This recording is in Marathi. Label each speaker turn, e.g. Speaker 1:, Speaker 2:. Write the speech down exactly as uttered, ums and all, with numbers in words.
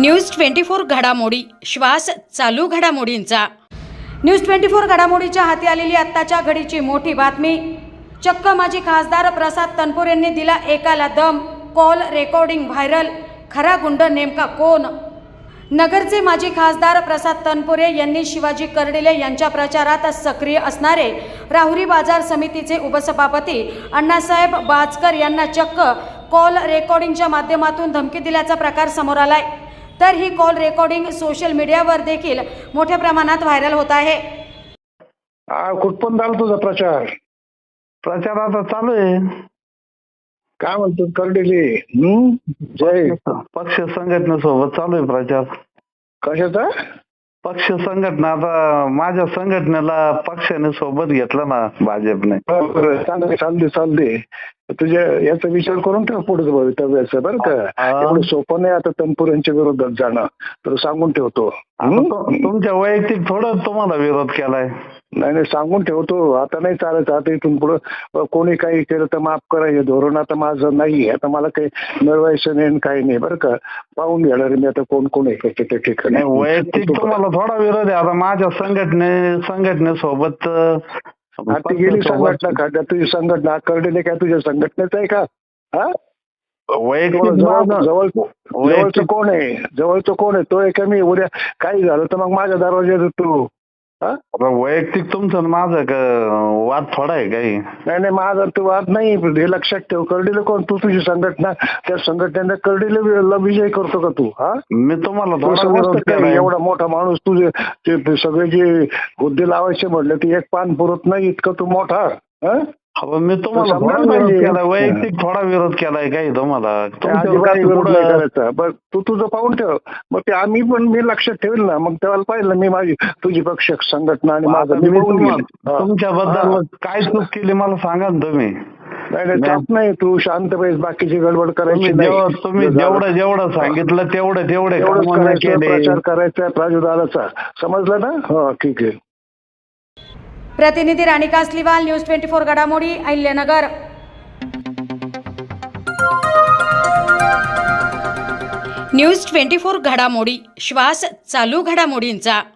Speaker 1: न्यूज ट्वेंटी फोर घडामोडी, श्वास चालू घडामोडींचा। न्यूज ट्वेंटी फोर घडामोडीच्या हाती आलेली आत्ताच्या घडीची मोठी बातमी। चक्क माजी खासदार प्रसाद तनपुरेंनी दिला एकाला दम, कॉल रेकॉर्डिंग व्हायरल। खरा गुंड नेमका कोण? नगरचे माजी खासदार प्रसाद तनपुरे यांनी शिवाजी कर्डिले यांच्या प्रचारात सक्रिय असणारे राहुरी बाजार समितीचे उपसभापती अण्णासाहेब बाजकर यांना चक्क कॉल रेकॉर्डिंगच्या माध्यमातून धमकी दिल्याचा प्रकार समोर आलाय। तर ही कॉल रेकॉर्डिंग सोशल मीडियावर देखील मोठ्या प्रमाणात व्हायरल होत आहे।
Speaker 2: कुठपर्यंत आला तुझा प्रचार?
Speaker 3: प्रचार आता चालू आहे।
Speaker 2: काय म्हणतो कर्डिले? हम्म जय
Speaker 3: पक्ष संघटनेसोबत चालू आहे प्रचार।
Speaker 2: कशाचा
Speaker 3: पक्ष संघटना? आता माझ्या संघटनेला पक्षाने सोबत घेतलं ना भाजपने।
Speaker 2: चालते चालते चालते तुझ्या याचा विचार करून ठेव पुढे भवितव्याचं बरं का। एवढं सोपं नाही आता तनपुरेंच्या विरोधात जाणं, तर सांगून ठेवतो।
Speaker 3: तुमच्या वैयक्तिक थोडं तुम्हाला विरोध केलाय?
Speaker 2: नाही नाही सांगून ठेवतो, आता नाही चालत। आता इथून पुढे कोणी काही केलं तर माफ करा, हे धोरण आता माझं नाही। आता मला काही मिळवायचं नाही काही नाही बरं का। पाहून घेणार मी आता कोण कोण आहे त्या ठिकाणी।
Speaker 3: वैयक्तिक तुम्हाला थोडा विरोध आहे। आता माझ्या संघटने संघटनेसोबत
Speaker 2: ती गेली संघटना का? तुझी संघटना कर्डिले काय तुझ्या संघटनेच आहे का? हा
Speaker 3: वैयक्तिक
Speaker 2: जवळ जवळचं कोण आहे? जवळचं कोण आहे? तो आहे का मी? उद्या काही झालं तर मग माझ्या दरवाज्यात तू
Speaker 3: वैयक्तिक तुमचं माझं वाद थोडा आहे काही? नाही
Speaker 2: नाही माझा तो वाद नाही, हे लक्षात ठेव। कर्डिले कोण? तू तुझी संघटना, त्या संघटनेने कर्डिले विजय करतो का तू? हा मी तुम्हाला एवढा मोठा माणूस, तुझे सगळे जे हुद्दे लावायचे म्हटले ते एक पान पुरत नाही इतकं तू मोठा।
Speaker 3: मी तुम्हाला वैयक्तिक थोडा विरोध केलाय काही तुम्हाला?
Speaker 2: विरोध नाही करायचा। बघ तू तुझं पाहून ठेव, मग ते आम्ही पण मी लक्षात ठेवेल ना। मग तेव्हा पाहिलं मी माझी तुझी पक्ष संघटना आणि माझं
Speaker 3: तुमच्याबद्दल काय चूक केली मला सांगा ना तुम्ही।
Speaker 2: नाही नाही चूक नाही, तू शांत पाहिजे, बाकीची गडबड करायची
Speaker 3: नाही। तुम्ही जेवढं जेवढं सांगितलं तेवढं तेवढे
Speaker 2: प्रचार करायचा प्राजुर्भावाचा, समजलं ना? हो ठीक आहे।
Speaker 1: प्रतिनिधी Rani Kasliwal, news twenty four घडामोडी, अहिल्यानगर। न्यूज ट्वेंटी फोर घडामोडी, श्वास चालू घडामोडींचा।